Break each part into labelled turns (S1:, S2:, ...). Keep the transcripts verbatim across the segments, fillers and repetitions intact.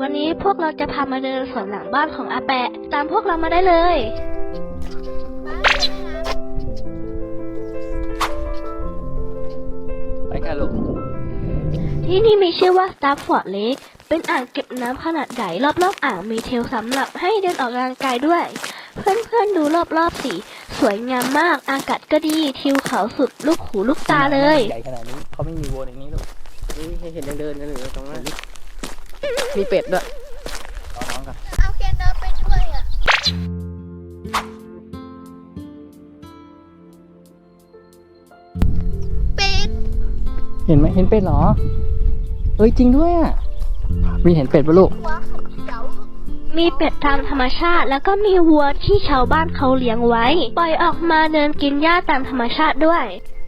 S1: วันนี้พวกเราจะพามาเดินสวนหลังบ้านของอาแปะตามพวกเรามาได้เลย
S2: ไปค่ะลูก
S1: ที่นี่มีชื่อว่า Stafford Lake เป็นอ่างเก็บน้ำขนาดใหญ่รอบๆอ่างมีเทรลสำหรับให้เดินออกกำลังกายด้วย เพื่อนๆดูรอบๆสิสวยงามมากอากาศก็ดีทิวเขาสุดลูกหูลูกตาเลย
S2: ใหญ่ขนาดนี้เขาไม่มีวัวอย่างนี้ลูก
S3: นี่ให้เห็นเดินๆกันอยู่ตรงนั้นมีเป็ดด้วย
S2: รอน้องกัน
S4: เอาเคนเดินไปด้วยอ่ะเป็ด
S2: เห็นไหมเห็นเป็ดเหรอเอ้ยจริงด้วยอ่ะมีเห็นเป็ดปะลูก
S4: หัวเขียว
S1: มีเป็ดตามธรรมชาติแล้วก็มีวัวที่ชาวบ้านเขาเลี้ยงไว้ ปล่อยออกมาเดินกินหญ้าตามธรรมชาติด้วย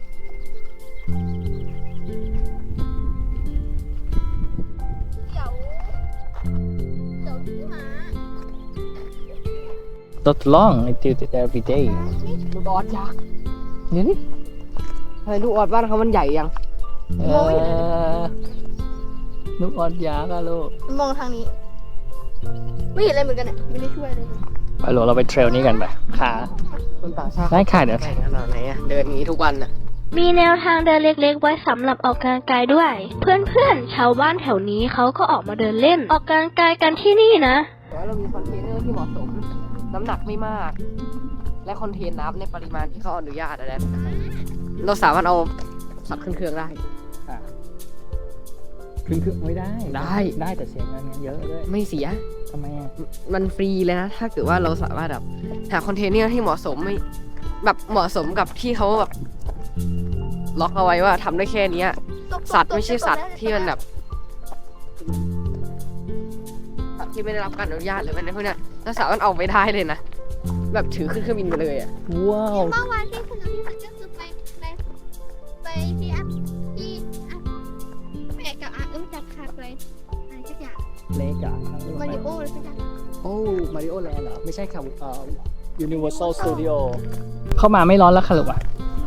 S4: เขียวเขียวที่หมา
S2: Not long until every day
S3: ลูกออดยักษ์
S2: เดี๋ยวนี้
S3: อะไรลูกออดบ้านเขามันใหญ่ยัง
S2: เออลูกออดยากอะลูก
S4: มองทางนี้ ไม่เห็นอะไรเหมือนกันอ่ะไม่ได้ช่วยเลย
S2: ไปลูกเราไปเทรลนี้กันไปขา
S3: คนต่างชาติ
S2: ได้ค่ะเดี๋ยว
S3: ใหญ่ขนาดไหนอะเดินอย่างนี้ทุกวันอะ
S1: มีแนวทางเดินเล็กๆไว้สำหรับออกกำลังกายด้วย เพื่อนๆชาวบ้านแถวนี้เขาก็ออกมาเดินเล่น ออกกำลังกายกันที่นี่นะ
S3: แต่ว่าเรามีคอนเทนเนอร์ที่เหมาะสม น้ำหนักไม่มาก และคอนเทนน้ำในปริมาณที่เขาอนุญาตอะไรเราสามารถเอาสัตว์ขึ้นเครื่องได้
S2: ขึ้นเครื่องไม่ได้
S3: ได้
S2: ได้แต่เสียเงินเยอะด้วย
S3: ไม่เสีย
S2: ทำไมอ่ะ
S3: มันฟรีเลยนะ ถ้าเกิดว่าเราสามารถแบบหาคอนเทนเนอร์ที่เหมาะสมไม่แบบเหมาะสมกับที่เขาแบบล็อกเอาไว้ว่าทำได้แค่เนี้ย สัตว์ไม่ใช่สัตว์ที่มันแบบสัตว์ที่ไม่ได้รับการอนุญาตหรืออะไรพวกเนี้ยเราสามารถเอาไปได้เลยนะแบบถือขึ้นเครื่องบินไปเลยอ่ะ
S2: ว้าว
S4: เมื่อวานที่สนุกที่สุดก็คือไปไปไปที่อัพที่อัพแปะกับอาเอิ้มจัดคาไปอะไรสักอย่าง
S2: เล็กอ่ะ
S4: มาริโออะไรสักอย่าง
S2: โอ้มาริโอแลนด์เหรอไม่ใช่ค่ะเอ่อ Universal Studio เข้ามาไม่ร้อนแล้วค่ะลูกอ่ะ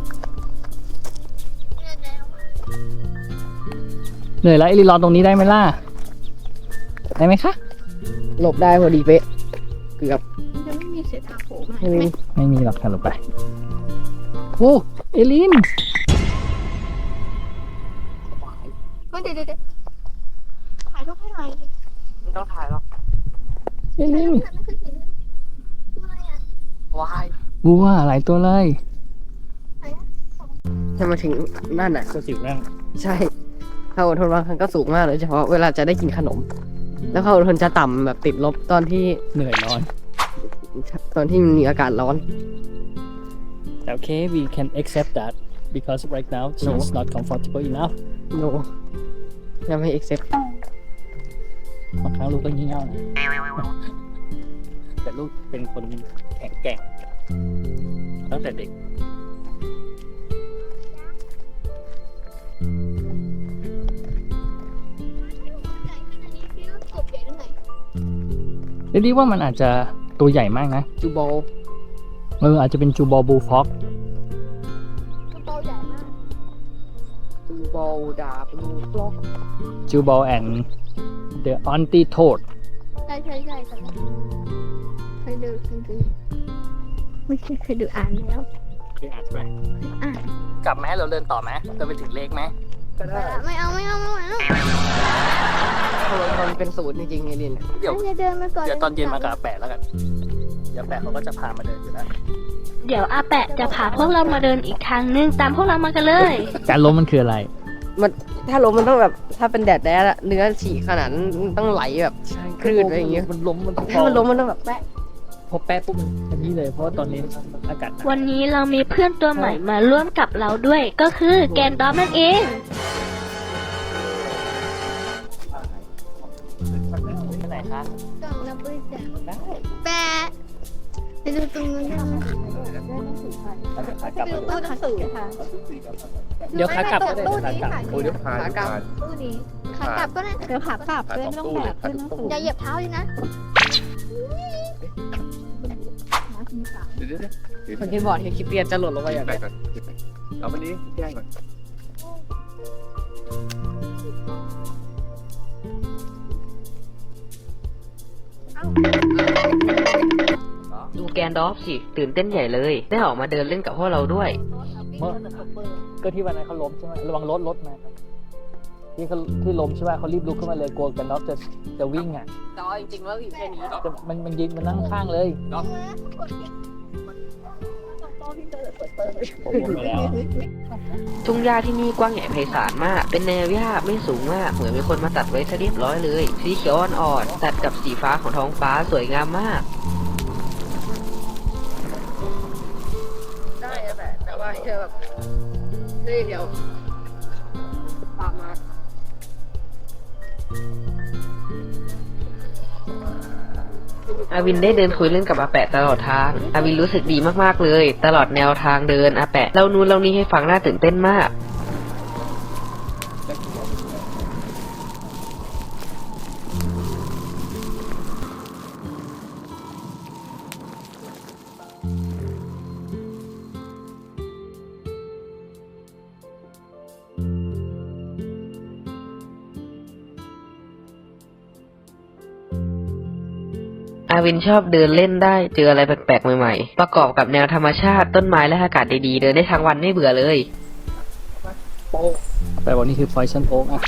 S2: เหนื่อยแล้วไอรีรอตรงนี้ได้ไหมล่ะ ได้ไหมคะ
S3: หลบได้พอดีเป๊ะเกือบ
S4: มันจะไม่มีเศษอาโผล่มา
S3: ไม่มี
S2: ไม่มีหรอกค่ะลูกไปโอ้เอลิน
S4: เฮ้ยเดี๋ยวเดี๋ยวเดี๋ยวถ่ายรูปให้หน่อย
S3: ไม่ต้องถ่ายหรอก
S2: เอลิน
S4: ถ่ายรูปให้หน่อยตัวอะไรอ่ะ
S3: วาย
S2: บัวหลายตัวเลย
S4: ไหนอ่ะ
S3: ถ้ามาถึงนั่นอ่ะ
S2: ตัวสิวนั่ง
S3: ใช่ความอดทนบางครั้งก็สูงมากเลยเฉพาะเวลาจะได้กินขนม แล้วความอดทนจะต่ำแบบติดลบตอนที่
S2: เหนื่อยร้อน
S3: ตอนที่มีอากาศร้อน
S2: แต่โอเค we can accept that because right now she's not comfortable enough
S3: no ยังไม่ accept
S2: บางครั้งลูกก็งี่เง่านะ แต่ลูกเป็นคนแข็งแกร่งตั้งแต่เด็ก
S4: ใหญ่ขนาดนี้คิดว่ากบใหญ่ตรงไหน
S2: เรียกว่ามันอาจจะตัวใหญ่มากนะ
S3: จูโบ
S2: เอออาจจะเป็นจูบอลบูฟ็อก
S4: กระเป๋าใหญ่มาก
S3: จูโบดาบลูฟล็อก
S2: จูบอลแอนด์เดอะออนตี้โทด
S4: ใช่ใช่ใช่แต่ว่าเคยดูจริงๆไม่ใช่เคยดูอ่านแล้ว
S2: เคยอ่านใช่ไหม
S4: อ่าน
S2: กลับไหมเราเดินต่อไหมเดินไปถึงเลกไหม
S3: ก็ได้
S4: ไม่เอาไม่เอาไม่เอา
S3: เพราะมันเป็นศูนย์จริงๆไอริน
S2: เดี๋ยว
S4: จะเดินมาก่อน
S2: เดี๋ยวตอนเย็นมากับอาแปะแล้วกัน เดี๋ยวแปะเขาก็จะพามาเดินอยู่แล้ว
S1: เดี๋ยวอาแปะจะพาพวกเรามาเดินอีกทางนึงตามพวกเรามากันเลย
S2: การล้มมันคืออะไร
S3: มันถ้าล้มมันต้องแบบถ้าเป็นแดดแดดอะเนื้อฉีกขนาดนั้นต้องไหลแบบคลื่นอะไรอย่างเงี้ย
S2: มันล้มมัน
S3: ถ้ามันล้มมันต้องแบบแปะ
S2: พอแปะปุ๊บมันอันนี้เลยเพราะว่าตอนนี้อากาศหนาว
S1: วันนี้เรามีเพื่อนตัวใหม่มาร่วมกับเราด้วย ก็คือแกนดอมนั่นเอง
S2: ที่ไหนคะ
S4: กล่องรับบริจาคแปะไปดูตรงนู้นได้ไหม
S2: ขากลับ
S4: ไปดูตู้หนังสือค่ะ
S2: เดี๋ยวขากลับก็ได้ขากลับ
S5: โอ้เดี๋ยวพา
S3: ขากลับ
S4: ตู้นี้ขากลับก็ได้
S5: เดี๋ยวขากลับด้วยไม่ต้องแบกขึ้นหนังสือ
S4: อย่าเหยียบเท้าเลยนะ
S5: เดี๋ยวเดี๋ยวเดี๋ยว
S3: คนที่บอร์ดเฮคิเปียนจะหล่นลงไปอย่าง
S5: ไป
S3: ไร
S5: ก่อนเอาวันนี้แจ้งก่อน
S2: เ
S6: ดูแกนดอฟสิตื่นเต้นใหญ่เลย ได้ออกมาเดินเล่นกับพวกเราด้วย
S2: เมื่อก็ที่วันนั้นเขาล้มใช่ไหมระวังรถรถมาครับที่เขาที่ล้มใช่ไหมเขารีบลุกขึ้นมาเลยกลัวกันน็อกจะจะวิ่งอ่ะ
S3: แต่ว่าจริงๆแล้วอยู่แค่นี้
S2: จะมันมันยืนมันนั่งข้างเลยผมหมดไปแล้ว
S6: ทุ่งหญ้าที่นี่กว้างใหญ่ไพศาลมาก เป็นแนวหญ้าไม่สูงมาก เหมือนมีคนมาตัดไว้ซะเรียบร้อยเลย สีเขียวอ่อนๆตัดกับสีฟ้าของท้องฟ้าสวยงามมาก
S3: ได้แต่แต่ว่าแค่แบบเฮ้ยเดี๋ยวตามมา
S6: อาวินได้เดินคุยเล่นกับอาแปะตลอดทาง อาวินรู้สึกดีมากๆเลย ตลอดแนวทางเดินอาแปะเล่านู้นเล่านี้ให้ฟังน่าตื่นเต้นมาก อาวินชอบเดินเล่นได้เจออะไรแปลกๆใหม่ๆ ประกอบกับแนวธรรมชาติต้นไม้และอากาศดีๆ เดินได้ทั้งวันไม่เบื่อเลย
S2: แปลว่านี่คือ poison oak อ่ะ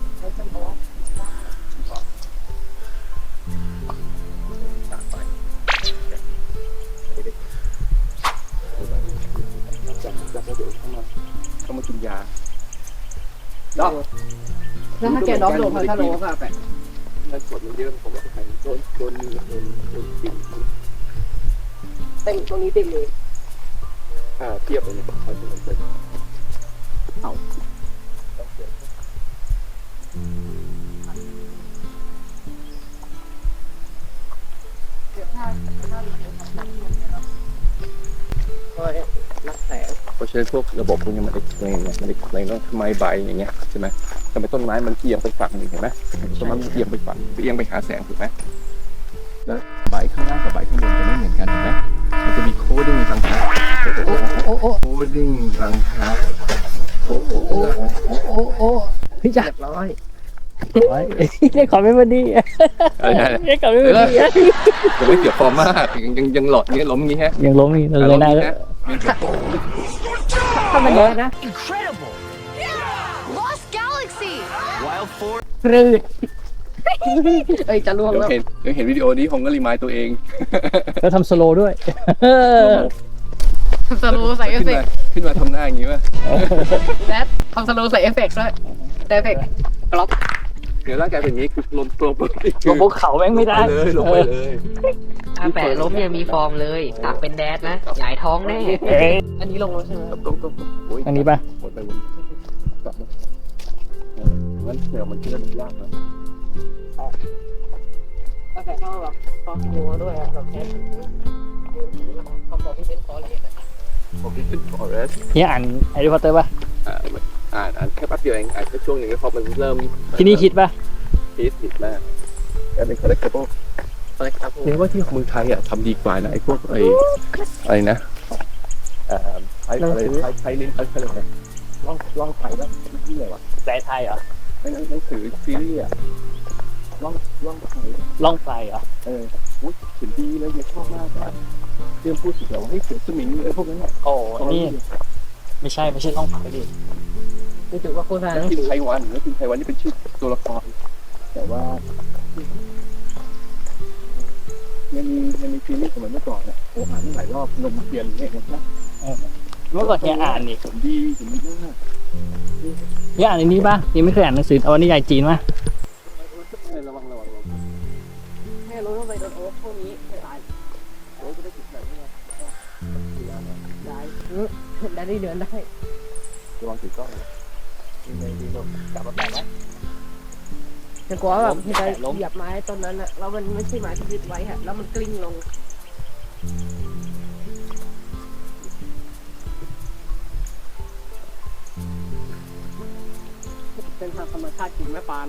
S5: ต้องมากินยา
S3: แล้วถ้าแกดอฟโดนพัทโลก็แปะ
S5: เงินสดมันเยอะผมไม่ไปโดนโดนโดนโดนกิน
S3: เต็มตรงนี้เต็มเลย
S5: อ่าเทียบเลยเนี่ยเขาจะมันเป็นเอา
S3: รักแสง
S5: เพราะฉะนั้นพวกระบบพวกนี้มันเอ็กซ์เพลนมันเอ็กซ์เพลนว่าทำไมใบอย่างเงี้ยใช่ไหมทำไมต้นไม้มันเอียงไปฝั่งหนึ่งเห็นไหมต้นไม้มันเอียงไปฝั่งเอียงไปหาแสงถูกไหมแล้วใบข้างล่างกับใบข้างบนจะไม่เหมือนกันถูกไหมมันจะมีโคดิ้งรังคาโคดิ้งรังคาโอ้โห
S2: พี่จัด
S3: เรียบร้อย
S2: ได้ขอไม่พอดีได้ขอไม่พอดี
S5: ยังไม่เกี่ยวฟอร์มมากยังยังยังหลอดเงี้ยล้มงี้ฮะ
S2: ยังล้มอีกเลยนะ
S3: ถ้ามันเยอะนะ
S4: Lost Galaxy
S3: ครืดเอ้ยจะล่วง
S5: เดี๋ยว
S3: แล้ว
S5: เห็นเดี๋ยวเห็นวิดีโอนี้ผมก็รีมายตัวเอง
S2: แล้วทำสโลด้วย
S3: ทำสโลว์ใส่เอฟ
S5: ขึ้น
S3: เฟก
S5: มา
S3: ต์
S5: ขึ้นมาทำหน้าอย่างงี้ป่ะ
S3: แดดทำสโลว์ใส่เอฟเฟกต์ด้วยแต่เอฟเฟกต์กล็อก
S5: เดี๋ยวร่างกายเป็นอย่างงี้คือลงตัวปุ๊บ
S2: ลงภูเขาแม่งไม่ได้
S5: ลงไปเลย
S6: อาแปะล้มยังมีฟอร์มเลยหากเป็นแดดนะหงายท้องแน่
S3: อันนี้ลงแล้วใช่ไหม
S5: ลงลงโอ้ย
S2: อันนี้ป่ะ
S5: หมดไปหมดกลับมาเอองั้นเดี๋ยวมันเชื่อมันยากนะ
S3: ก็แต่ต้องแบบคอหัวด้วยอะแบบแค่คอมโพที่เป็นคอเลส
S5: ผมคิดถึงฟอเรส
S2: เนี่ยอ่านแฮร์รี่พอตเตอร์ป่ะ
S5: อ่าอ่านอ่านแค่แป๊บเดียวเองอ่านแค่ช่วงหนึ่งแล้วพอมันเริ่ม
S2: ที่นี่คิดป่ะ
S5: คิดผิดมากแค่เป็น collectible
S3: อะไรครับ
S5: เรียกว่าที่เมืองไทยอ่ะทำดีกว่านะไอ้พวกไอ้อะไรนะเอ่อไทยอะไรไทยไทยลิ้นไทยอะไรนะล่องล่องไทยแล้วที่ไหนวะ
S2: แปลไทยเหรอ
S5: ไม่หนังสือซีรีส์อ่ะล่องล่องไทย
S2: ล่องไฟเหรอ
S5: เอออุ๊ยเขียนดีแล้วยังชอบมากอ่ะเรื่องพูดถึงแบบว่าให้เขียนสมิงไอ้พวกนั้นอ่ะ
S2: โอ้นี่ไม่ใช่ไม่ใช่ล่องไฟดิ
S3: รู้สึกว่าโฆษณา
S5: แล้วกินไทยวันแล้วกินไทยวันนี่เป็นชื่อตัวละครแต่ว่ายังมียังมีซีรีส์สมัยเมื่อก่อนอ่ะโอ้อ่านหลายรอบนมเปลี่ยนเนี่ยนะ
S2: เมื่อก่อนเฮียอ่านนี่
S5: ผมดีผมดีมาก
S2: เฮียอ่านอันนี้ป่ะยังไม่เคยอ่านหนังสือเอานิยายจีนป่ะ
S5: ระวังระวังระวัง
S3: แม่รู้ว่าไปโดนโอ๊คพวกนี้ไม่ตาย
S5: โอ้จะได้ติดแบบนี้ไง
S3: ได้ได้ได้เดือนได้
S5: ระวังถือกล้องดีเลยดีลงกลับมาแปะไหม
S3: แต่กลัวแบบที่ไปเหยียบไม้ต้นนั้นอะแล้วมันไม่ใช่ไม้ที่ยึดไว้ฮะแล้วมันกลิ้งลงเป็นทางธรรมชาติจริงแม่ปาน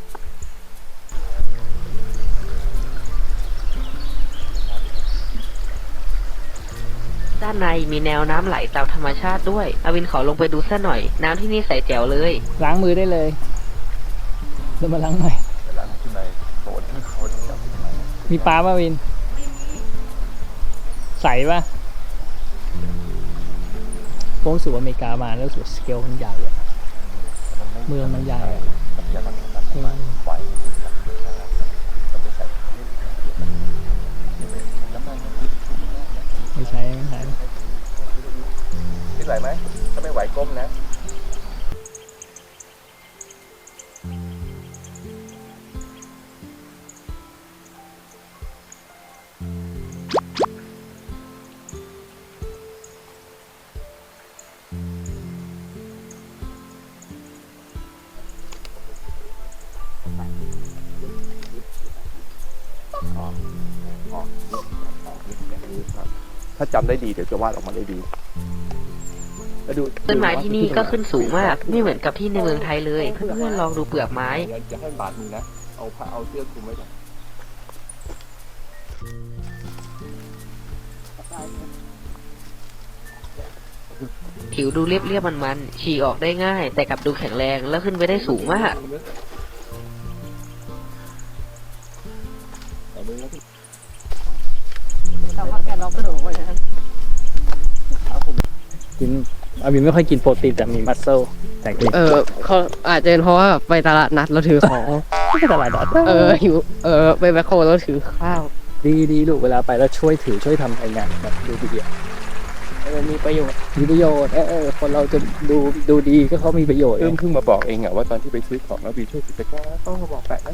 S6: ด้านในมีแนวน้ำไหลตามธรรมชาติด้วยอาวินขอลงไปดูซะหน่อย น้ำที่นี่ใสแจ๋วเลย
S2: ล้างมือได้เลยเดินมาล้างหน่อย
S5: เวลาขึ้นไปโบสถ์เขาจะจับขึ้นมา
S2: มีปลาป่ะวิน ใสป่ะโค้งสู่อเมริกามาแล้วรู้สึกสเกลมันใหญ่อะเมืองมันใหญ่อะ
S5: อย่าทำแบบนั้นปล่อยมันไปใส่น้ำมัน
S2: ไม่ใช่ไม่ใช่
S5: คิดไหวไหมถ้าไม่ไหวก้มนะถ้าจำได้ดีเดี๋ยวจะวาดออกมาได้ดีแล้วดู
S6: ต้นไม้ที่นี่ก็ขึ้นสูงมาก ไม่เหมือนกับที่ในเมืองไทยเลย เพื่อนๆลองดูเปลือกไม้
S5: อย่าให้บาดมือนะ เอาผ้าเอาเสื้อคลุมไว้ก่อน
S6: ผิวดูเรียบๆมันๆฉี่ออกได้ง่าย แต่กลับดูแข็งแรงแล้วขึ้นไปได้สูงมาก
S2: กินอาวินไม่ค่อยกินโปรตีนแต่มีมัสเซลแต่กิน
S3: เออเขาอาจจะเป็นเพราะว่าไปตลาดนัดเราถือของ
S2: ไม่ใช่ตลาดนัด
S3: เออหิวเออไปแมคโครแล้วถือข้าว
S2: ดีดีลูกเวลาไปแล้วช่วยถือช่วยทำอะไรงานแบบดูดีอะ
S3: เออมีประโยชน์
S2: มีประโยชน์เออเออคนเราจะดูดูดีก็เขามีประโยชน์
S5: เอิ่มเพิ่งมาบอกเองอะว่าตอนที่ไปซื้อของแล้วบีช่วยถือตะกร้าต้องมาบอกแปะนะ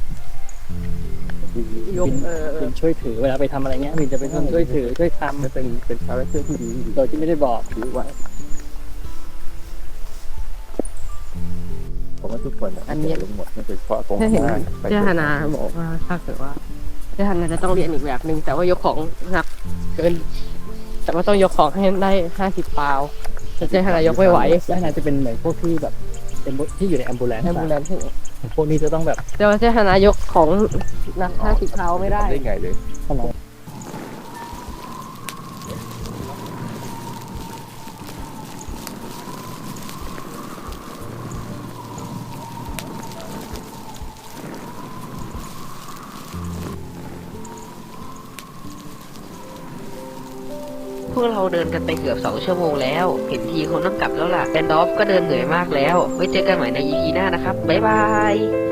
S3: ยกเออเอ
S2: วิ
S3: อน
S2: ช่วยถือเวลาไปทำอะไรเงี้ยวินจะเป็นคนช่วยถือช่วยท
S5: มันเป็นเป็นคาแรคเตอร์ที่ดี
S2: ำโดยที่ไม่ได้บอก
S5: ถือไว้ผมว่าทุกคนอันนี้ลงหมดมันเป็นเพราะตรง
S3: ถ้าเห็น
S5: หน้าไป
S3: เจ้าฮานาบอกว่าถ้าเกิดว่าเจ้าฮานาจะต้องเรียนอีกแบบหนึ่งแต่ว่ายกของหนักเกิน แต่ว่าต้องยกของให้ได้ห้าสิบปาวแต่เจ้าฮานายกไม่ไหว
S2: และน่าจะเป็นเหมือนพวกที่แบบเป็นที่อยู่ในแอมบูเลนซ์
S3: แอมบูเลนซ์
S2: พวกนี้จะต้องแบบ
S3: แต่ว่าเจ้าฮานายกของหนักห้าสิบปาวไม่ได้
S5: ได้ไงเลย
S2: ทำไม
S6: พวกเราเดินกันไปเกือบสองชั่วโมงแล้ว เห็นทีคงต้องกลับแล้วล่ะแอนดอฟก็เดินเหนื่อยมากแล้ว ไว้เจอกันใหม่ใน อี พี หน้านะครับ บ๊ายบาย